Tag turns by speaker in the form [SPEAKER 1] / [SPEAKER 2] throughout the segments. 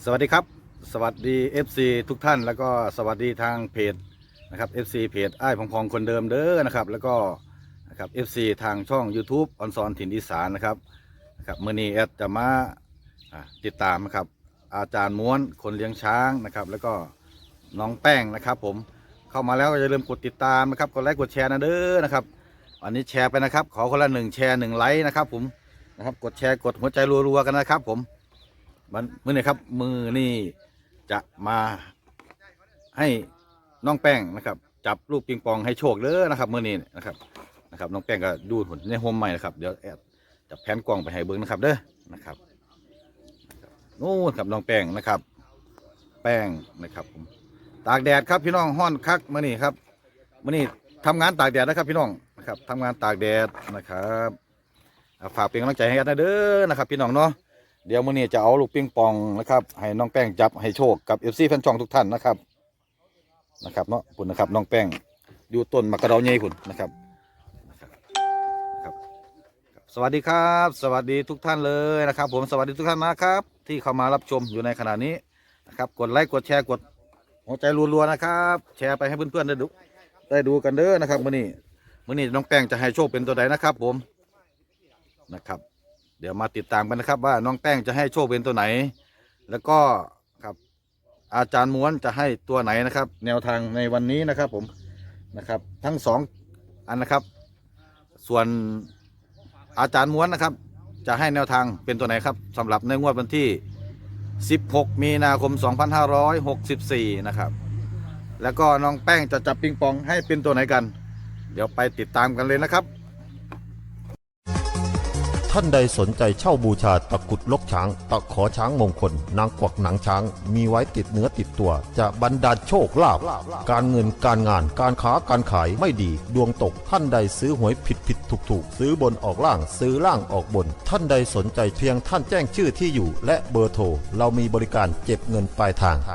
[SPEAKER 1] สวัสดีครับสวัสดี FC ทุกท่านแล้วก็สวัสดีทางเพจนะครับ FC เพจอ้ายพองคนเดิมเด้อนะครับแล้วก็นะครับ FC ทางช่อง YouTube ออนซอนถิ่นอีสานนะครับมื้อนี้แอดจะมาติดตามนะครับอาจารย์ม้วนคนเลี้ยงช้างนะครับแล้วก็น้องแป้งนะครับผมเข้ามาแล้วก็อย่าลืมกดติดตามนะครับกดไลค์กดแชร์นะเด้อนะครับวันนี้แชร์ไปนะครับขอคนละ1 แชร์ 1 ไลค์นะครับผมนะครับกดแชร์กดหัวใจรัวๆกันนะครับผมมือนี่ครับมือนี่จะมาให้น้องแป้งนะครับจับลูกปิงปองให้โชคเลยนะครับมือนี้นะครับน้องแป้งก็ดูผลในโฮมใหม่นะครับเดี๋ยวแอบจับแผนกล้องไปให้เบิ้งนะครับเด้อนะครับนู่นครับน้องแป้งนะครับแป้งนะครับผมตากแดดครับพี่น้องห้อนคักมือนี่ครับมือนี่ทำงานตากแดดนะครับพี่น้องนะครับทำงานตากแดดนะครับฝากเป็นกำลังใจให้กันนะเด้อนะครับพี่น้องเนาะเดี๋ยวมื้อนี้จะเอาลูกปิงปองนะครับให้น้องแป้งจับให้โชคกับ FC แฟนช่องทุกท่านนะครับเนาะคุณนะครับน้องแป้งอยู่ต้นมะกระเดาใหญ่คุณนะครับสวัสดีครับสวัสดีทุกท่านเลยนะครับผมสวัสดีทุกท่านนะครับที่เข้ามารับชมอยู่ในขณะนี้นะครับกดไลค์กดแชร์กดหัวใจรัวๆนะครับแชร์ไปให้เพื่อนๆได้ดูกันเด้อนะครับมื้อนี้น้องแป้งจะให้โชคเป็นตัวใดนะครับผมนะครับเดี๋ยวมาติดตามกันนะครับว่าน้องแป้งจะให้โชคเป็นตัวไหนแล้วก็ครับอาจารย์ม้วนจะให้ตัวไหนนะครับแนวทางในวันนี้นะครับผมนะครับทั้ง2 อันนะครับส่วนอาจารย์ม้วนนะครับจะให้แนวทางเป็นตัวไหนครับสำหรับในงวดวันที่16 มีนาคม 2564นะครับแล้วก็น้องแป้งจะจับปิงปองให้เป็นตัวไหนกันเดี๋ยวไปติดตามกันเลยนะครับ
[SPEAKER 2] ท่านใดสนใจเช่าบูชาตะกรุดลกช้างตะขอช้างมงคลนางกวักหนังช้างมีไว้ติดเนื้อติดตัวจะบรรดาลโชคลาภการเงินการงานการค้าการขายไม่ดีดวงตกท่านใดซื้อหวยผิดถูกซื้อบนออกล่างซื้อล่างออกบนท่านใดสนใจเพียงท่านแจ้งชื่อที่อยู่และเบอร์โทรเรามีบริการเก็บเงินปลายทาง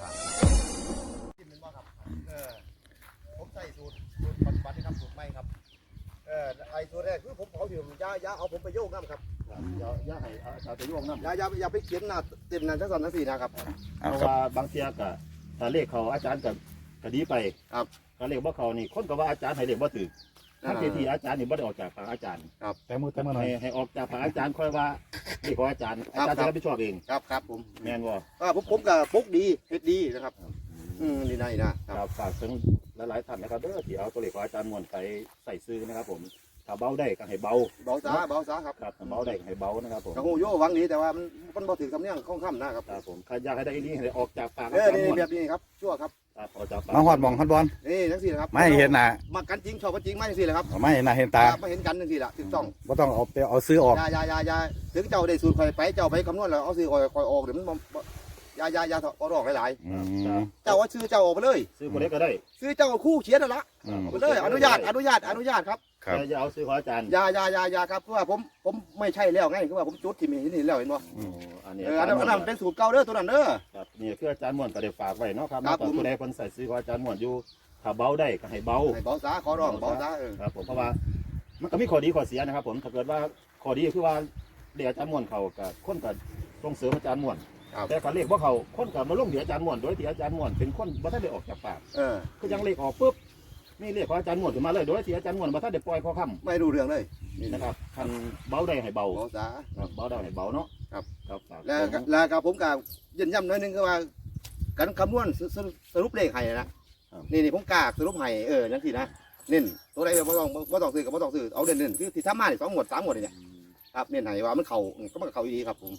[SPEAKER 3] ผมใส่สูตรปัจจุบันนี่ครับสูตรใหม่ครับไอ้ตัวแรกคือผมเผาอยู่ยาเอาผมไปโยกน้ำครับยาให้อาจารย์ไปโยกน้ำยาไปเขียนหน้าเต็มหน้าทั้งสองทั้ง4นะครับ
[SPEAKER 4] เพราะว่าบางเทียก็ถ้าเลขเขาอาจารย์ก็ดีไป
[SPEAKER 3] ครับ
[SPEAKER 4] ถ้าเลขบ่เขานี่คนก็ว่าอาจารย์ให้เลขบ่ถูกทั้งที่อาจารย์นี่บ่ได้ออกจากปากอาจารย์
[SPEAKER 3] ครับ
[SPEAKER 1] แต่มือหน่อย
[SPEAKER 4] ให้ออกจากปากอาจารย์ค่อยว่าเลขของอาจารย์จะรับผิดชอบเอง
[SPEAKER 3] ครับผม
[SPEAKER 4] แม่นบ่
[SPEAKER 3] ผมกับปุ๊กดีเฮ็ดดีนะครับดีนะครับ
[SPEAKER 4] ฝากถึงหลายๆท่านนะครับเด้อที่เอาตัวเลขของอาจารย์ม่วนไปใส่ซื้อนะครับผมถ้าเบาได้ก็ให้เบา
[SPEAKER 3] ซะครับ
[SPEAKER 4] ถ้าเบาได้ก็ให้เบานะครับผม
[SPEAKER 3] กระหูโย่วังนี้แต่ว่ามันบ่ถึงคำเนี้ยข้องค่ำนะครับ
[SPEAKER 4] ครับผมใครอยากให้ได้นี้ให้ออกจากปากอา
[SPEAKER 3] จารย์
[SPEAKER 4] ม่วน
[SPEAKER 3] แบบนี้ครับชั่วครับ
[SPEAKER 4] ออกจากปาก
[SPEAKER 1] มาหอดมองฮอดบอล
[SPEAKER 3] นี่ทั้ง4ครับ
[SPEAKER 1] ไม่เห็นหน้า
[SPEAKER 3] มากันจริงชอบกันจริงไม่ทั้ง4เลยครับ
[SPEAKER 1] ไม่เห็นหน้าเห็นตา
[SPEAKER 3] ไม่เห็นกันทั้ง4ละถูกต้อง
[SPEAKER 1] บ่ต้องเอาซื้อออก
[SPEAKER 3] ยาถึงเจ้าได้สูตรคอยไปเจ้าไปคำนวณแล้วเอาซื้อคอยออกเดี๋ยวมันยาเอาออกหลายๆเจ้าว่าซื้อเจ้าออกไปเลย
[SPEAKER 4] ซื้อคนเล็กก็ได้
[SPEAKER 3] ซื้อเจ้าคู่เขียนนั่นละไปเลยอนุญาตครับ
[SPEAKER 4] อย่าเอาซื้อของอาจารย์
[SPEAKER 3] ยาครับเพราะว่าผมไม่ใช่แล้วไงคือว่าผมจุดที่มีนี่แล้วเห็นบ่
[SPEAKER 4] อันนี้
[SPEAKER 3] อันนั้นเป็นสูตรเก่าเด้อตัวนั้นเด้อ
[SPEAKER 4] ครับนี่คืออาจารย์ม่วนก็ได้ฝากไว้เนาะครับตัวใดคนใส่ซื้อของอาจารย์ม่วนอยู่ถ้าเบาได้ก็ให้เบา
[SPEAKER 3] ซะขอร้องเบาซะ
[SPEAKER 4] ครับผมเพราะว่ามันก็มีข้อดีข้อเสียนะครับผมถ้าเกิดว่าข้อดีคือว่าเรียกอาจารย์ม่วนเขากับคนกับส่งเสริมอาจารย์ม่วนแต่การเรียกว่าเขาคนกับมาลงเดี๋ยวอาจารย์ม่วนโดยที่อาจารย์ม่วนเป็นคนบ่ทันได้ออกจากปากคือยังเรียกออกปุ๊บนี่เรียกของอาจารย์ม่วนขึ้นมาเลยโดยที่อาจารย์ม่วนบ่ทันได้ปล่อยข้อคำ
[SPEAKER 3] ไม่รู้เรื่องเลย
[SPEAKER 4] นี่นะครับคันเบาได้ให้เบา
[SPEAKER 3] ซะ
[SPEAKER 4] เบาได้ให้เบาเนาะ
[SPEAKER 3] ครับ
[SPEAKER 4] แล้ว
[SPEAKER 3] กับผมกับยืนยันหน่อยนึงคือว่าการคำนวณสรุปเลขให้นะนี่ผมกากสรุปให้นั่นสินะเน้นตัวใดบ่ต้องซื้อกับบ่ต้องซื้อเอาเด่นคือที่ทำมา2 หมวด 3 หมวดนี่ครับเน้นให้ว่ามันเข้าก็มันเข้าดีครับผม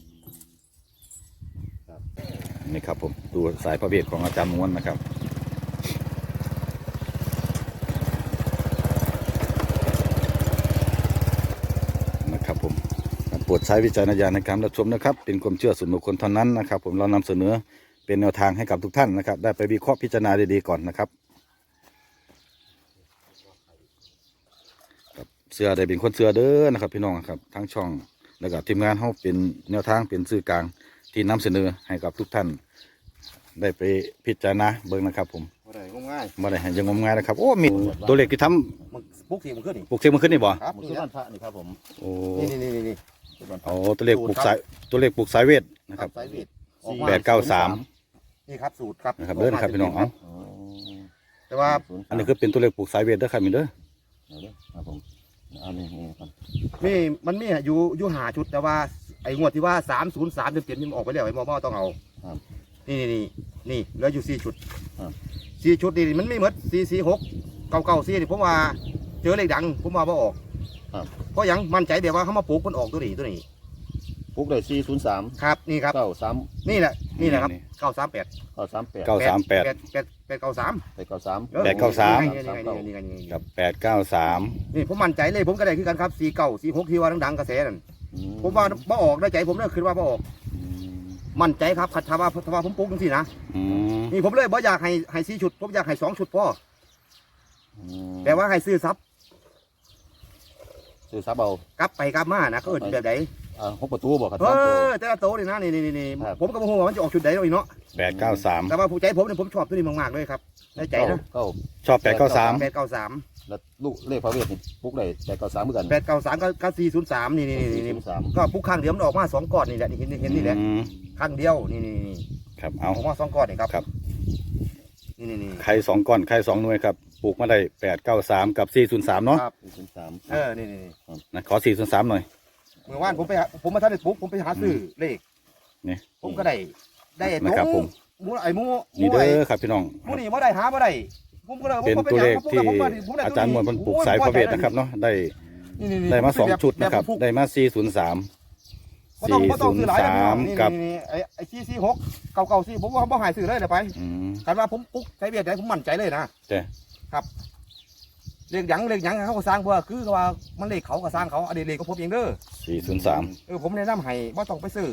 [SPEAKER 1] นี่ครับผมดูสายพระเวทของอาจารย์ม้วนนะครับผมโปรดใช้วิจารณญาณในการรับชมนะครับเป็นความเชื่อส่วนบุคคลเท่านั้นนะครับผมเรานำเสนอเป็นแนวทางให้กับทุกท่านนะครับได้ไปวิเคราะห์พิจารณาดีๆก่อนนะครับเสือได้เป็นคนเสือเด้อนะครับพี่น้องครับทั้งช่องแล้วก็ทีมงานเขาเป็นแนวทางเป็นสื่อกลางที่นำเสนอให้กับทุกท่านได้ไปพิจารณาเบิ่งนะครับผม
[SPEAKER 3] บ่ได้งมง่าย
[SPEAKER 1] ยังงมง่ายนะครับโอ้มีตัวเลขที่ท
[SPEAKER 3] ำปลุกเสียงมันขึ้นนี่
[SPEAKER 1] ปลุกเสียงมันขึ้นนี่บ่
[SPEAKER 4] ครับสุวรรณพระนี่ครับผม
[SPEAKER 3] นี่
[SPEAKER 1] โอ้ตัวเลขปลุกสายเวทนะครับ
[SPEAKER 3] สายเวทออกมา
[SPEAKER 1] 893
[SPEAKER 3] นี่ครับสูตรครับ
[SPEAKER 1] นะครับเด้อนะครับพี่น้องเอา
[SPEAKER 4] อ๋อ
[SPEAKER 3] แต่ว่า
[SPEAKER 1] อันนี้คือเป็นตัวเลขปลูกสายเวทเด้อครับมินเด้อ
[SPEAKER 4] เอาเด้อครับผมอันนี้ครับ
[SPEAKER 3] มันมีอยู่หาชุดแต่ว่าไอ้งวดที่ว่า303เต็มๆนี่มันออกไปแล้วไอ้มอต้องเอา
[SPEAKER 4] ครับ
[SPEAKER 3] นี่เหลืออยู่4ชุด
[SPEAKER 4] ครับ
[SPEAKER 3] 4ชุดนี่มันไม่หมด446 994นี่ผมว่าเจอเลขดังผมว่าบ่ออก
[SPEAKER 4] ครับ
[SPEAKER 3] เพราะหยังมั่นใจแบบว่าเขามาปลูกมันออกตัวนี้
[SPEAKER 4] ปลุกได้403
[SPEAKER 3] ครับนี่ครับ
[SPEAKER 4] 93
[SPEAKER 3] นี่แหละครับ938
[SPEAKER 4] 938
[SPEAKER 1] 938
[SPEAKER 3] 893
[SPEAKER 4] 893
[SPEAKER 1] 893
[SPEAKER 3] นี่
[SPEAKER 1] กับ893
[SPEAKER 3] นี่ผมมั่นใจเลยผมก็ได้คือกันครับ49 46ที่ว่าดังๆกระแสนั่น
[SPEAKER 4] อื
[SPEAKER 3] ผมว่าบ่ออกได้ใจผมเนี่ยคือว่าบ่ออก
[SPEAKER 4] อืม
[SPEAKER 3] มั่นใจครับขัดถ้าว่าผมปลูกจังซี่นะ
[SPEAKER 1] อืม
[SPEAKER 3] นี่ผมเลยบ่อยากให้4ชุดผมอยากให้2ชุดพอ
[SPEAKER 4] อืม
[SPEAKER 3] แต่ว่าให้ซื้อซับ
[SPEAKER 4] ซื้อซับเอา
[SPEAKER 3] กลับไปกลับมานะเขาเอิ้นแบบใด
[SPEAKER 4] 6ประตูบ่ครับ
[SPEAKER 3] เอ
[SPEAKER 4] สามตัว
[SPEAKER 3] อแต่ละโตนี่นะนี่
[SPEAKER 4] ครับ
[SPEAKER 3] ผมก็บ่ฮู้ว่ามันจะออกชุดใดเอาอีกเนาะ
[SPEAKER 1] 893
[SPEAKER 3] แต่ว่าผู้ใจผมเนี่ยผมชอบตัวนี้มากๆเลยครับในใจนะ
[SPEAKER 4] เก้า
[SPEAKER 1] ชอบ893
[SPEAKER 3] 893
[SPEAKER 4] แล้วลูกเลขพระเวทนี่ปลุกได้893เหมือนกัน
[SPEAKER 3] 893ก็403นี่
[SPEAKER 4] 403
[SPEAKER 3] ก็ปุ๊กข้างเดียวมันออกมา2ก้อนนี่แหละนี่เห็นนี่แหละ
[SPEAKER 1] อืม
[SPEAKER 3] ข้างเดียวนี่
[SPEAKER 1] ครับ
[SPEAKER 3] อ
[SPEAKER 1] เอา
[SPEAKER 3] อกมา2ก้อนนี่ครับ
[SPEAKER 1] ครับ
[SPEAKER 3] นี่
[SPEAKER 1] ไข่2ก้อนไข่2หน่วยครับปลูกมาได้893กับ403เนาะ
[SPEAKER 3] ครับ
[SPEAKER 4] 403
[SPEAKER 3] นี่
[SPEAKER 1] นะขอ403หน่อย
[SPEAKER 3] เมื่อวานผมมาทันได้ปุ๊กผมไปหาซื้อเลข
[SPEAKER 1] นี่
[SPEAKER 3] ผมก็ได้ไอ้
[SPEAKER 1] นะครับผม
[SPEAKER 3] หมูไอ้หมู
[SPEAKER 1] นี่เด้อครับพี่น้อง
[SPEAKER 3] หมูนี่บ่ได้หาบ่ได้ผมก็เลย
[SPEAKER 1] เป็นตัวเลขที่อาจารย์มวลเพิ่นปลูกสายพระเวทนะครับเนาะได้มา2ชุดนะครับได้มา403
[SPEAKER 3] บ่ต้องซื้อหลายนะพี่น้อง
[SPEAKER 1] 403กับ
[SPEAKER 3] นี่ไอ้446 994ผมว่าบ่หายซื้อเลยเดี๋ยวไป
[SPEAKER 1] อืม
[SPEAKER 3] กันว่าผมปุ๊กใช้เบียดได้ผมมั่นใจเลยนะ
[SPEAKER 1] แต่
[SPEAKER 3] เลขหยังเขาก็สร้างเพื่อคือว่ามันเลขเขาก็สร้างเขาอันนี้เลขก็ผมเองเด้อ
[SPEAKER 1] 403
[SPEAKER 3] ผมแนะนำให้บ่ต้องไปซื้อ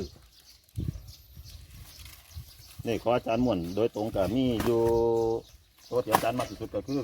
[SPEAKER 4] นี่ขออาจารย์ม่วนโดยตรงกับมีอยู่ตัวที่อาจารย์มากที่สุดก็คือ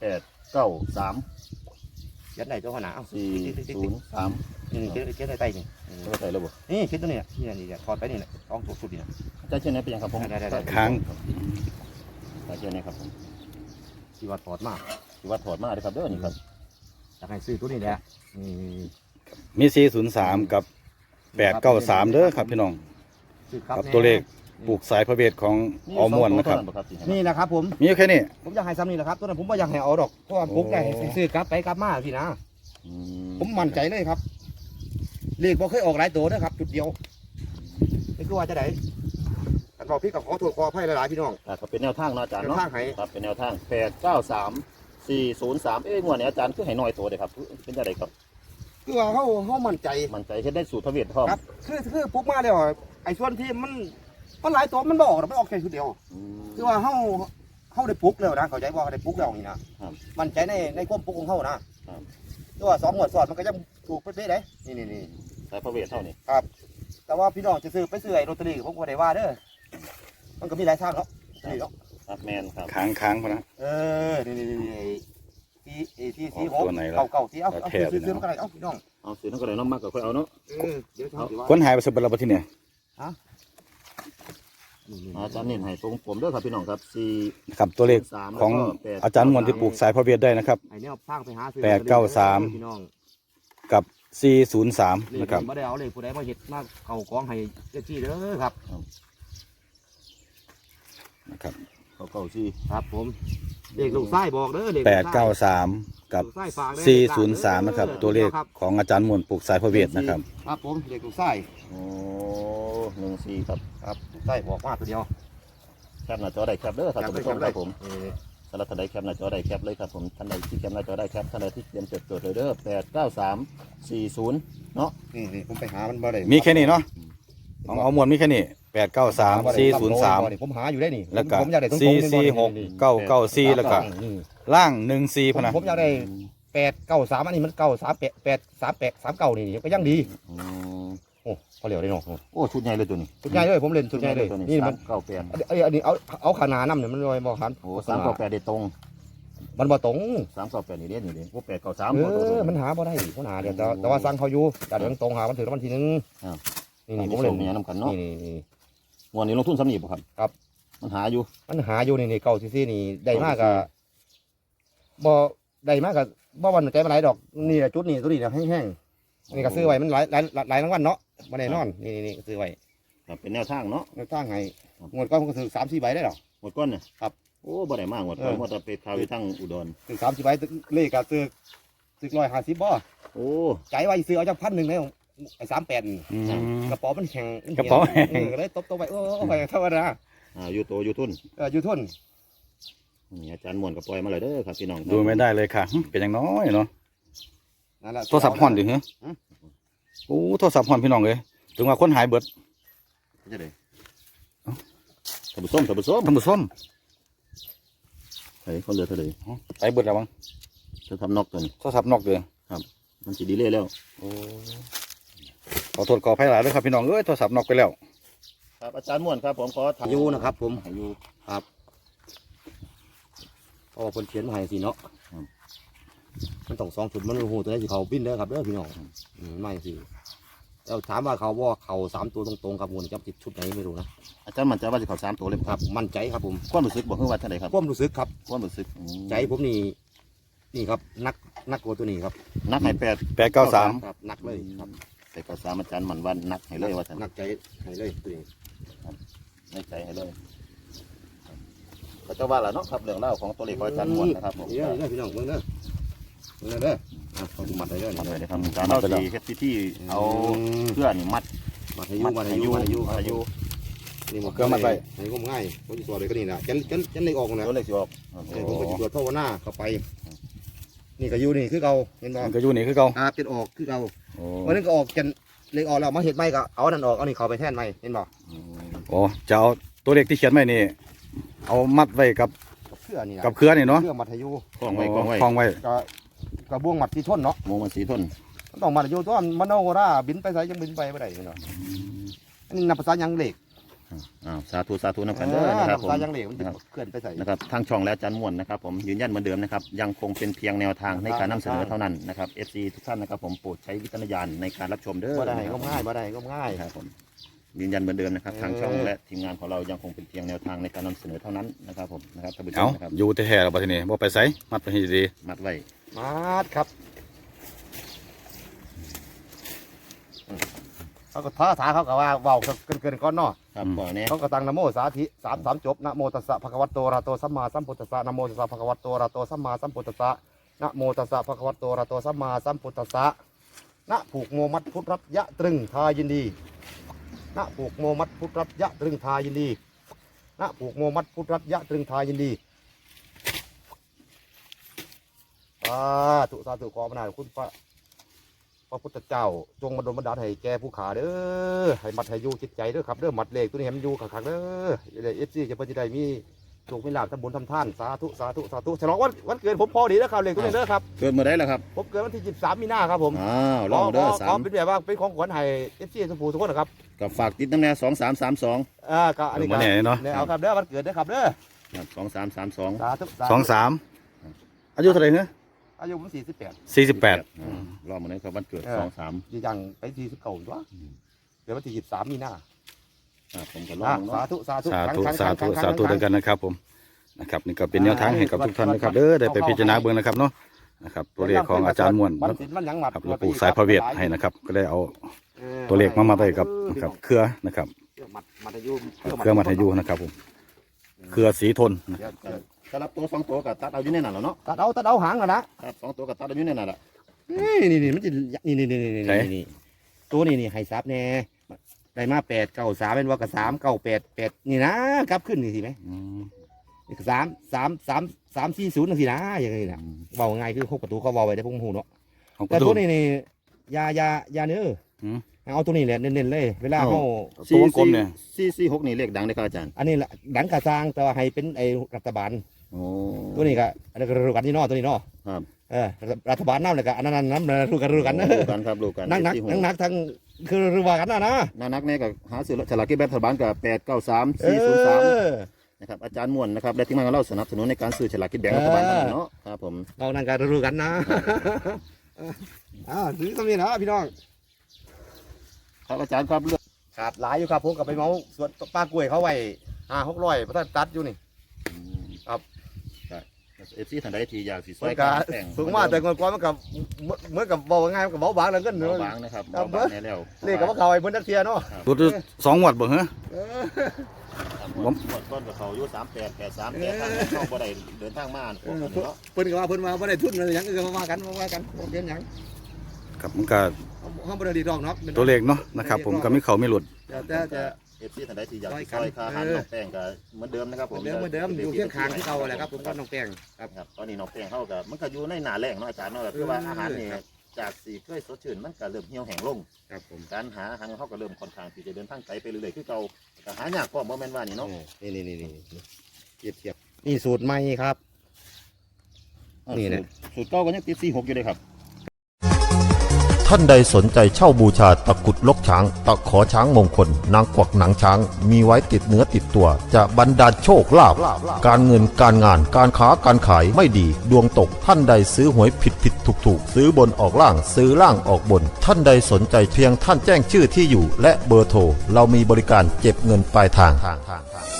[SPEAKER 4] 893
[SPEAKER 3] ยัดไหนตัวขนาดเอา
[SPEAKER 4] 403
[SPEAKER 3] นี่เขียนใต้นี่
[SPEAKER 4] ตัวใส่ระบบ
[SPEAKER 3] นี่เขียนตัวนี้นี่ถอดไปนี่แหละต้องถูกสุดนี่นะ
[SPEAKER 4] อาจารย์เช่นไหนเป็นยังครับผม
[SPEAKER 3] ได้
[SPEAKER 1] ค้าง
[SPEAKER 4] อาจารย์เช่นไหนครับผม
[SPEAKER 3] ที่ว่าถอดมาก
[SPEAKER 4] ที่วัดถอดมาเลยครับเด้อนี่ครับ
[SPEAKER 3] อยากให้ซื้อตัวนี้แหละนี่
[SPEAKER 1] มี403กับ893เด้อครับพี่น้อง
[SPEAKER 3] ซื้อ
[SPEAKER 1] ครับตัวเลขปลูกสายพระเวทของออม่วนนะครับ
[SPEAKER 3] นี่นะครับผม
[SPEAKER 1] มีอยู่แค่นี้
[SPEAKER 3] ผมอยากให้ซ้ำนี่แหละครับตัวนั้นผมไม่อยากให้เอาดอกเพราะว่าผมอยากให้ซื้อกลับไปกลับมาพี่นะ ผมมั่นใจเลยครับ เลขบ่เคยออกหลายตัวนะครับจุดเดียวนี่คือว่าจะไหนกันบอกพี่กับขอโทษขออภัยหลายๆพี่น้อง
[SPEAKER 4] ก็เป็นแนวทางเนาะอาจารย์เนาะ
[SPEAKER 3] แนวทางให้
[SPEAKER 4] ครับเป็นแนวทาง893 403งวดนี้อาจารย์คือให้น้อยตัวเลยครับเป็นจังไดครับ
[SPEAKER 3] คือว่าเขามั่นใจ
[SPEAKER 4] มันใจเฮ็ดได้สูตรพระเวทพร้อม
[SPEAKER 3] ครับคือปุ๊บมาแล้วไอ้ส่วนที่มันหลายตัวมันบ่ออกมันออกแค่ชุดเดียว
[SPEAKER 4] อืม
[SPEAKER 3] คือว่าเขาได้ปุ๊กแล้วนะเข้าใจว่าเขาได้ปุ๊กแล้วนี่นะครับ มั่นใจในความปุ๊กของเขานะครับ คือว่า2 หมวดสอดมันก็ยังถูกเป๊ะๆเลยนี่
[SPEAKER 4] สายพระเวทเท่านี้
[SPEAKER 3] ครับ แต่ว่าพี่น้องจะซื้อไปซื้อไอ้ลอตเตอรี่ผมก็ได้ว่าเด้อมันก็มีหลายทางเนาะนี่เนาะ
[SPEAKER 4] ครับแมนครับ
[SPEAKER 1] ค้างพอนะ
[SPEAKER 3] ที่
[SPEAKER 1] ออกตัวไหนล่ะ
[SPEAKER 3] เก่าที่เอา
[SPEAKER 1] แถบ
[SPEAKER 3] ซื้อ
[SPEAKER 1] เลยนะ
[SPEAKER 3] มันก็ได้เอาพี่น้อง
[SPEAKER 4] เอาซื้อนั่นก็เลยน้ำมากก็ค่อยเอาเนาะ
[SPEAKER 3] เดี๋ยวจะเอาสิว่า
[SPEAKER 1] คนหายไปสบเราที่เนี่ย
[SPEAKER 4] อาจารย์เน้นให้ตรงผมเด้อครับพี่น้องครับ4
[SPEAKER 1] นะครับตัวเลขของอาจารย์มวลที่ปลูกสายพระเวทได้นะครับ
[SPEAKER 3] ไอ้เนี่ยสร้างไปหาซื้อ
[SPEAKER 1] 893
[SPEAKER 3] พี่น้อง
[SPEAKER 1] กับ403นะครับ
[SPEAKER 3] ไม่ได้เอาเลยผู้ใดมาเห็ดมาเข่ากองให้เจ้าที่เด้อครับ
[SPEAKER 1] นะครับ
[SPEAKER 4] เขาเก่าซี่
[SPEAKER 3] ครับผมเด็กลูกไส้บอกเด้อเด็กลูกไส้
[SPEAKER 1] 893 กับ
[SPEAKER 3] ลูกไส้ฝากเด้อ
[SPEAKER 1] 403นะครับตัวเลขของอาจารย์มวลปลูกสายพระเวทนะครับ
[SPEAKER 3] ครับผมเด็กลูกไส้
[SPEAKER 4] โอ้14ครับ
[SPEAKER 3] ครับลูกไส้บอกว่าตัวเดียว
[SPEAKER 4] แคปหน้าจอได้แคปเด้อครับท่านผู้ชมครับผม
[SPEAKER 3] เออ
[SPEAKER 4] สำหรับท่านใดแคปหน้าจอได้แคปเลยครับผมท่านใดที่แคปหน้าจอได้แคปท่านใดที่เตรียมจดเลยเด้อ89340เนาะ
[SPEAKER 3] นี่ผมไปหามันบ่ได้
[SPEAKER 1] มีแค่นี้เนาะของเอามวลมีแค่นี้893 403
[SPEAKER 3] ผมหาอยู่ได้นี่
[SPEAKER 1] แล้วก็
[SPEAKER 3] ผมอยากได้ตรงๆ
[SPEAKER 1] 446 994แล้วก็ล่าง14พะนะ
[SPEAKER 3] ผมอยากได้893อันนี้มัน938 838 39นี่ก็ยังดี
[SPEAKER 4] อืม
[SPEAKER 3] โอ้เขาเหลียวได้เนาะ
[SPEAKER 4] โอ้ชุดใหญ่เลยตัวนี้
[SPEAKER 3] สุดใหญ่เลยผมเล่นสุดใหญ่เลย
[SPEAKER 4] ตัวนี้
[SPEAKER 3] นี่มัน
[SPEAKER 4] 398
[SPEAKER 3] อันนี้เอาขาหนาน้ำเนี่ยมันลอยบ่หัน
[SPEAKER 4] โอ้398เด็ดตรง
[SPEAKER 3] มันบ่ตรง
[SPEAKER 4] 398นี่เด้นี่เด้โอ้
[SPEAKER 3] เอ
[SPEAKER 4] 893
[SPEAKER 3] อมันหาบ่ได้เขาหาเดี๋ยวแต่ว่าสั่งเขาอยู่แต่เดี๋ยวตรงหามันถือรางวัลที่ 1นี่ผ
[SPEAKER 4] ผม ม
[SPEAKER 3] เล่
[SPEAKER 4] เล่
[SPEAKER 3] น
[SPEAKER 4] นเนี่ยนำกันเนาะ
[SPEAKER 3] นี่
[SPEAKER 4] งวดนี้ลงทุนสำนีบ่ครับ
[SPEAKER 3] ครับ
[SPEAKER 4] มันหาอยู่
[SPEAKER 3] มันหาอยู่นี่เก่าซี่นี่ได้มากก็บ่ได้มากก็บ่วันใจมาหลายดอกนี่จุดนี่ตัวนี้แห้งๆนี่ก็ซื้อไว้มันหลายรางวัลเนาะบ่ได้นอนนี่ซื้อไว้
[SPEAKER 4] ครับเป็นแนวทางเนาะ
[SPEAKER 3] ในตั้งไงงวดก้อนผมก็ถือ3-4ใบได้หรอ
[SPEAKER 4] หมดก้อนเนี่ย
[SPEAKER 3] ครับ
[SPEAKER 4] โอ้บ่ได้มากหมดก้อนหมดแต่เป็ดข่าวอยู่ทั้งอุดร
[SPEAKER 3] ถือ3-4ใบเลขก็ซื้อ150บ่
[SPEAKER 4] โอ้
[SPEAKER 3] ใจไว้ซื้อเอาจาก1,000เลยไอ้38นี่
[SPEAKER 1] อืม
[SPEAKER 3] กระเป๋ามันแข็ง
[SPEAKER 1] กระเป๋าแข็ง
[SPEAKER 3] ก็เลยตบไปโอ้ไปเท่านั้นนะ
[SPEAKER 4] อยู่โตอยู่ทุน
[SPEAKER 3] อยู่ทุน
[SPEAKER 4] นี่อาจารย์ม่วนก็ปล่อยมาเลยเด้อครับพี่น้อง
[SPEAKER 1] ดูไม่ได้เลยค่ะเป็นอย่างน้อยเนาะ
[SPEAKER 3] นั่นแหละ
[SPEAKER 1] โทรศัพท์ห่อนดิเหรอโอ้โทรศัพท์ห่อนพี่น้องเลยถึงว่าคนหายเบิด
[SPEAKER 4] จะได้ท่านผู้ชมท่านผู้ชม
[SPEAKER 1] ท่านผู้ชม
[SPEAKER 4] เฮ้ยเขาเหลือเท่าไหร่
[SPEAKER 1] ไปเบิดแล้วมั้ง
[SPEAKER 4] จะทำนอกตัวนี้
[SPEAKER 1] โทรศัพท์นอกเดือ
[SPEAKER 4] มันสิดีเลยแล้ว
[SPEAKER 1] โอ้ขอโทษขออภัยหลายด้วยครับพี่น้องเอ้ยโทรศัพท์นอกไปแล้ว
[SPEAKER 4] ครับอาจารย์ม่วนครับผมขอถาม
[SPEAKER 3] อยู่นะครับผม
[SPEAKER 4] อยู่
[SPEAKER 3] เพราะว่าคนเขียนมาให้สิเนาะมันต้อง2 ชุดมันโอ้โหตัวนี้สิเขาบินเด้อครับเด้อพี่น้องไม่สิแล้วถามว่าเขาว่าเขา3 ตัวตรงๆครับมูลจับ10 ชุดไหนไม่รู้นะ
[SPEAKER 4] อาจารย์มั่นใจว่าจะเข้า3 ตัวเลย
[SPEAKER 3] ครับมั่นใจครับผม
[SPEAKER 4] ความรู้สึกบอกเพิ่งว่าเท่าไหร่ครับ
[SPEAKER 3] ความรู้สึกครับ
[SPEAKER 4] ความรู้สึก
[SPEAKER 3] ใจผมนี่ครับนักกว่าตัวนี้ครับ
[SPEAKER 4] นักให้8
[SPEAKER 1] 893
[SPEAKER 3] ครับนักเลยครับ
[SPEAKER 4] 893อาจารย์มั่นว่านักให้เลยว่าท่าน
[SPEAKER 3] นักใจให้เลยตัวนี้
[SPEAKER 4] ในใจให้เลยก็จะว่าแล้วเนาะครับเรื่องเล่าวของตัวเลขของอาจารย์ม่วนนะครับผม
[SPEAKER 3] เดี๋ยวพี่น้องเบิ่งเด้อเด้อเขามัดให้เด้อ
[SPEAKER 4] ทำเลยนะครับการเอาสีเฮ็ดพิธีเอาเพื่อนมัด
[SPEAKER 3] มัดให้อยู่นี่มันให้งมง่ายผมจะสอนเลยก็นี่นะจันเลยออกนะ
[SPEAKER 4] ตัวเลขสิออก
[SPEAKER 3] ผมก็จะตรวจภาวนาเข้าไป นี่ก็อยู่นี่คือเก่าเห็นบ่
[SPEAKER 1] มันก็อยู่นี่คือเก่า
[SPEAKER 3] เป็นออกคือเก่า
[SPEAKER 1] โอ้
[SPEAKER 3] วันนึงก็ออกกันเลยออกแล้วมาเห็ดใหม่ก็เอานั่นออกเอานี่เข้าไปแทนใหม่เห็นบ่
[SPEAKER 1] โอ้จะเอาตัวเลขที่เขียนไว้นี่ เอามัดไว้กับ
[SPEAKER 3] เครือนี่นะ
[SPEAKER 1] กับเครือนี่เนาะ
[SPEAKER 3] เครือมัธยู
[SPEAKER 4] กล้องไว้กล้องไว้
[SPEAKER 1] คล้องไว้
[SPEAKER 3] กระบวงมัดที่ท่นเนาะ
[SPEAKER 4] โมมันสีทน
[SPEAKER 3] มันต้องมัธยูตัวมันโนราบินไปไสยังบินไปไม่ได้เนาะอันนี้นับภาษายังเหล็ก
[SPEAKER 4] สาธุนำกันเด้อนะครับผม
[SPEAKER 3] ภาษายังเหล็กมันเคลื่อนไปใส่
[SPEAKER 4] นะครับทางช่องและอาจารย์ม่วนนะครับผมยืนยันเหมือนเดิมนะครับยังคงเป็นเพียงแนวทางในการนำเสนอเท่านั้นนะครับ FC ทุกท่านนะครับผมโปรดใช้วิจารณญาณในการรับชมเด้อ
[SPEAKER 3] บ่ได้ก็ง่ายบ่ได้ก็ง่าย
[SPEAKER 4] ครับผมยืนยันเหมือนเดิมนะครับทางช่องและทีมงานของเรายังคงเป็นเพียงแนวทางในการนำเสนอเท่านั้นนะครับผมนะครับท่านผู้ช
[SPEAKER 1] เอา
[SPEAKER 4] มนะครับ
[SPEAKER 1] อยู่แท้ๆเราไปทีนี้บ่ไปไสมัดไปให้ดี
[SPEAKER 4] มัดไว้
[SPEAKER 3] มาดครับเขาก็ท้าทายเขาก็ว่าเว้าเกินก้อนเนาะ
[SPEAKER 4] ครับก่อนนี้
[SPEAKER 3] เขาก็ตั้งนะโมสาธิ3 จบนะโมตัสสะภะคะวะโตอะระหะโตสัมมาสัมพุทธัสสะนะโมตัสสะภะคะวะโตอะระหะโตสัมมาสัมพุทธัสสะนะโมตัสสะภะคะวะโตอะระหะโตสัมมาสัมพุทธัสสะนะผูกโมมัดพุทธรับยะตรึงทายินดีนะผูกโมมัดพุทธรับยะตรึงทายินดีนะผูกโมมัดพุทธรับยะตรึงทายินดีสาธุขอพระนามคุณพระพุทธเจ้าจงมาดลบันดาลให้แก่ผู้ขาเด้อให้มัดให้อยู่จิตใจเด้อครับเด้อมัดเลขตัวนี้ให้มันอยู่ขังๆเด้อเอฟซีจะเพิ่นจะได้มีโชคมีลาภทำบุญทำท่านสาธุฉลองวันเกิดผมพอดีนะครับเลขตัวนี้เด้อครับ
[SPEAKER 4] เกิดเมื่อไรแล้วครับ
[SPEAKER 3] ผมเกิดวันที่23 มีนาครับผม
[SPEAKER 4] อ้าวลองเด้อ
[SPEAKER 3] ขอเป็นแบบว่าเป็นของขวัญให้เอฟซีทุกผู้ทุกคนนะครับ
[SPEAKER 4] กับฝากติดน้ำแน่2332
[SPEAKER 3] ก็อันนี้
[SPEAKER 1] บ่แน่เนาะ
[SPEAKER 3] เนี่ยเอาครับเด้อวันเกิดเด้อครับเด้อ
[SPEAKER 4] ครับ2332
[SPEAKER 3] สาธุ
[SPEAKER 1] 23อายุเท่าไหร่เนอะ
[SPEAKER 3] อายุผม48
[SPEAKER 1] 48
[SPEAKER 4] รอบมาเลยครับวันเกิด23
[SPEAKER 3] ยี่ยังไป49อยู่วะเดี๋ยววันที่23 มีนา
[SPEAKER 4] ผมก็ลองเนาะ
[SPEAKER 3] สาธุ
[SPEAKER 1] สาธุด้วยกันนะครับผมนะครับนี่ก็เป็นแนวทางให้กับทุกท่านนะครับเด้อได้ไปพิจารณาเบิ่งนะครับเนาะนะครับตัวเลขของอาจารย์ม่วน
[SPEAKER 3] มันสิมันหยังหมัด
[SPEAKER 1] ครับหลวงปู่สายพระเวทให้นะครับ ก็ได้เอาตัวเลขมาไว้กับนะครับเครือนะครับ
[SPEAKER 3] มัธยุ
[SPEAKER 1] เครือมัธยูนะครับผมเครือสีทน
[SPEAKER 4] สำหรับตัว2ตัวกับตัดเอาอยู่ในนั้นแล้วเนาะ
[SPEAKER 3] ตัดเอาหางกันนะครับ
[SPEAKER 4] 2ตัวกับตัดเอาอยู่ในนั้นแหละ
[SPEAKER 3] นี่มันจะนี่ตัวนี้ให้ซับแน่ได้มา893เป็นว่ากับ398นี่นะกลับขึ้นนี่สิไหม นี่340นั่นสินะอย่างนี้นะเบาง่ายคือ6 ประตูเขาเบาไว้ได้พวกหูเนาะ
[SPEAKER 1] ของป
[SPEAKER 3] แต่
[SPEAKER 1] ระตู
[SPEAKER 3] ตัวนี้นี่ยาเนื้อเอาตัวนี้แหละเน้นๆเลยเวลาเขา
[SPEAKER 1] ตัววงกลมเนี่ย
[SPEAKER 4] 446นี่เลขดังเลยครับอาจารย์
[SPEAKER 3] อันนี้แหละดังกระซางแต่ว่าให้เป็นไอ้รัฐบาล
[SPEAKER 4] โอ้
[SPEAKER 3] ตัวนี้ก็อันนี้ก็รู้กันนี่เนาะตัวนี้เนาะ
[SPEAKER 4] ครับ
[SPEAKER 3] รัฐบาลน้ำเลยก็อันนั้นน้ำรู้กัน
[SPEAKER 4] รู้กันครับรู้กัน
[SPEAKER 3] นักทั้งคือรู้ว่ากันนะ
[SPEAKER 4] นักแน่ก็หาซื้อฉลากกินแบ่งรัฐบาลกับ893403นะครับอาจารย์ม่วนนะครับและทีมงานของเราสนับสนุนในการซื้อฉลากกินแบ่งรัฐบาลเนาะครับผม
[SPEAKER 3] เรานั่นก็รู้กันนะถือตรงนี้นะพี่น้อง
[SPEAKER 4] ครับอาจารย์ครับเรื่อง
[SPEAKER 3] ขาดหลายอยู่ครับผมกับไปเมาสวนป้ากล้วยเขาไว้500-600พระท่านตัดอยู่นี่
[SPEAKER 4] ครับ FC ท่านใดที่อยากสิซ
[SPEAKER 3] มั
[SPEAKER 4] อย
[SPEAKER 3] นก็
[SPEAKER 4] การแต่ง
[SPEAKER 3] สูงมากแต่ก่อนมันก็เหมือนกับเบาง่ายมันก็เบาบางแล้วเงิน
[SPEAKER 4] เบาบางนะครับเบาบางแน่แล้ว
[SPEAKER 3] เลขก็ว่าเขาไอ้เพิ่นนักเที่ยเนาะ
[SPEAKER 1] รถ2 งวดบ่ฮะ
[SPEAKER 4] หมดต้นกับเขาอยู่38 83แต่ทางเข้าบ่ได้เดินทางมาพวกนี้เนาะ
[SPEAKER 3] เพิ่นก็ว่าเพิ่นมาบ่ได้ทุนอะไรหยังก็ว่ากันบ่เป็นหยัง
[SPEAKER 1] ครับมันก็
[SPEAKER 3] เฮาบ่ได้ดีดอกเนาะ
[SPEAKER 1] ตัวเลขเนาะนะครับผมก็มีเขามีหลุด
[SPEAKER 3] แต่
[SPEAKER 4] FC ท่านใดที่อยากสิซอยค่าอาหารน้องแป้งก็เหมือนเดิมนะครับผม
[SPEAKER 3] เหมือนเดิมอยู่เคียงข้างที่เก่าแหละครับผมก็น้องแป้งครับ
[SPEAKER 4] ครับตอนนี้น้องแป้งเขาก็มันก็อยู่ในหน้าแรงเนาะอาจารย์เนาะคือว่าอาหารนี่จากสีเคยสดชื่นมันก็เริ่มเหี่ยวแห้งลง
[SPEAKER 3] ครับผม
[SPEAKER 4] การหาอาหารของเขาก็เริ่มค่อนข้างที่จะเดินทางไกลไปเรื่อยๆคือเก่าก็หายากพร้อมบ่แม่นว่านี่เนาะ
[SPEAKER 3] นี่เทียบนี่สูตรใหม่ครับ นี่แหละ
[SPEAKER 4] สูตรเก่าก็ยังติด46อยู่เลยครับ
[SPEAKER 2] ท่านใดสนใจเช่าบูชาตะกรุดลกช้าง ตะขอช้างมงคล นางกวักหนังช้าง มีไว้ติดเนื้อติดตัว จะบรรดาลโชคลาภการเงินการงานการค้าการขายไม่ดี ดวงตกท่านใดซื้อหวยผิดถูกซื้อบนออกล่างซื้อล่างออกบน ท่านใดสนใจเพียงท่านแจ้งชื่อที่อยู่ และเบอร์โทรเรามีบริการเก็บเงินปลายทาง